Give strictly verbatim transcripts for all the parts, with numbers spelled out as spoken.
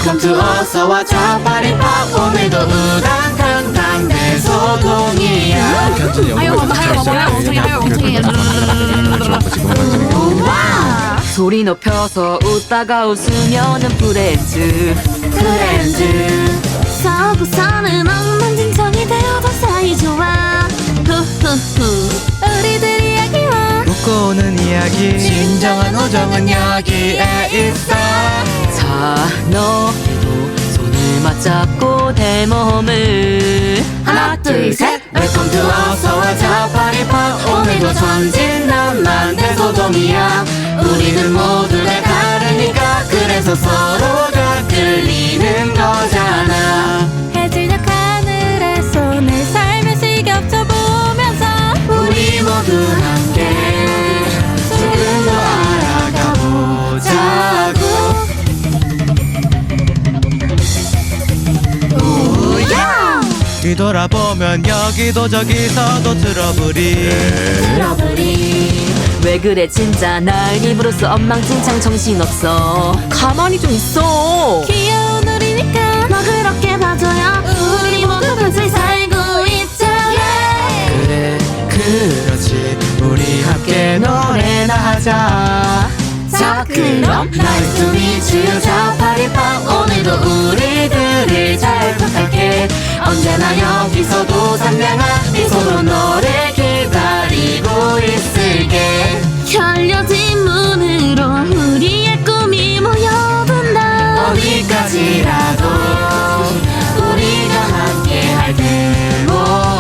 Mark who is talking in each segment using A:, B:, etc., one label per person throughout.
A: 웰컴 투 어서와 자파리팝. 오늘도 우당탕탕 내 소동이야.
B: 아유 엉덩이 엉덩이 아유 엉덩이
C: 소리 높여서 웃다가 웃으면은 프렌즈
A: 프렌즈.
B: 서구서는 엉망진창이 되어도 사이좋아. 후후후 우리들 이야기와
D: 웃고는 이야기.
A: 진정한 우정은 여기에 있어.
C: 자 너희도 손을 맞잡고 대몸을
A: 하나 둘 셋. 웰컴 투 어서와 자파리팝. 오늘도 천진난만 대소동이야. 우리는 모두 다 다르니까 그래서 서로가 끌리는 거잖아.
B: 해질녘 하늘에 손을 살며시 겹쳐보면서
A: 우리 모두 함께 조금 더 알아가보자고. 우야!
D: 뒤돌아보면 여기도 저기서도 트러블이.
A: 트러블이.
C: 왜 그래 진짜 날 입으로써 엉망진창 정신없어. 가만히 좀 있어.
B: 귀여운 우리니까 너 그렇게 봐줘요. 우리 모두 같이 살고 있자.
D: 그래 그렇지. 우리 함께 노래나 하자.
A: 자 그럼 Nice to meet you 자파리팝. 오늘도 우리들을 잘 부탁해. 언제나 여기서도 상냥한 미소로 너를 기다리고 있을게.
B: 열려진 문으로 우리의 꿈이 모여든다.
A: 어디까지라도 우리가 함께 할 테고.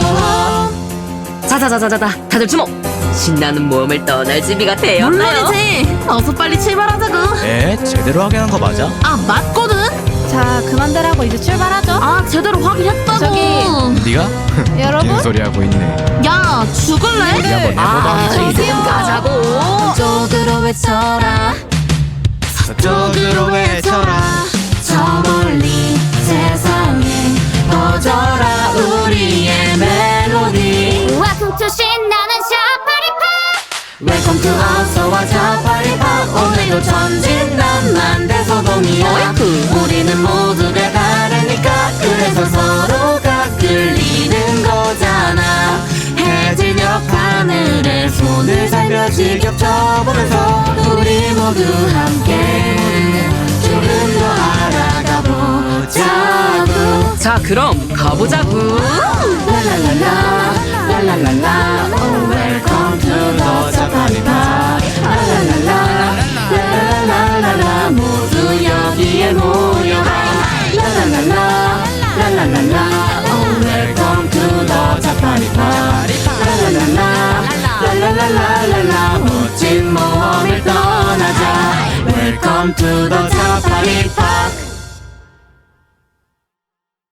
C: 자자자자자자 다들 주목. 신나는 모험을 떠날 준비가 되었나요?
B: 물론이지. 어서 빨리 출발하자고.
D: 에? 제대로 하게 한 거 맞아?
B: 아 맞거든. 자 그만들하고 이제 출발하죠. 아 제대로 확인했다고. 저기
D: 네가?
B: 여러분?
D: 소리 하고 있네.
B: 야 죽을래?
D: 우리 한번
C: 아
D: 해보자.
C: 이제 좀 가자고.
A: 저쪽으로 외쳐라.
D: 서쪽으로 외쳐라.
A: 저 멀리 세상에 퍼져라 우리의 멜로디.
B: Welcome to 신나는 샤파리팝.
A: 웰컴 투 어서와 자파리팝. 오늘도 천진난만 대소동이야.
C: 어이쿠.
A: 우리는 모두 다 다르니까 그래서 서로가 끌리는 거잖아. 해질녘 하늘에 손을 살며시 겹쳐보면서 우리 모두 함께 조금 더 알아가보자고.
C: 자 그럼 가보자구.
A: 랄랄랄라 랄랄랄라 oh welcome to the 자파리팝. 랄랄랄라 랄랄랄라 모두 여기에 모여라. 랄랄랄라 랄랄랄라 oh welcome to the 자파리팝. 랄랄랄라 랄랄랄라 멋진 모험을 떠나자. welcome to the 자파리팝.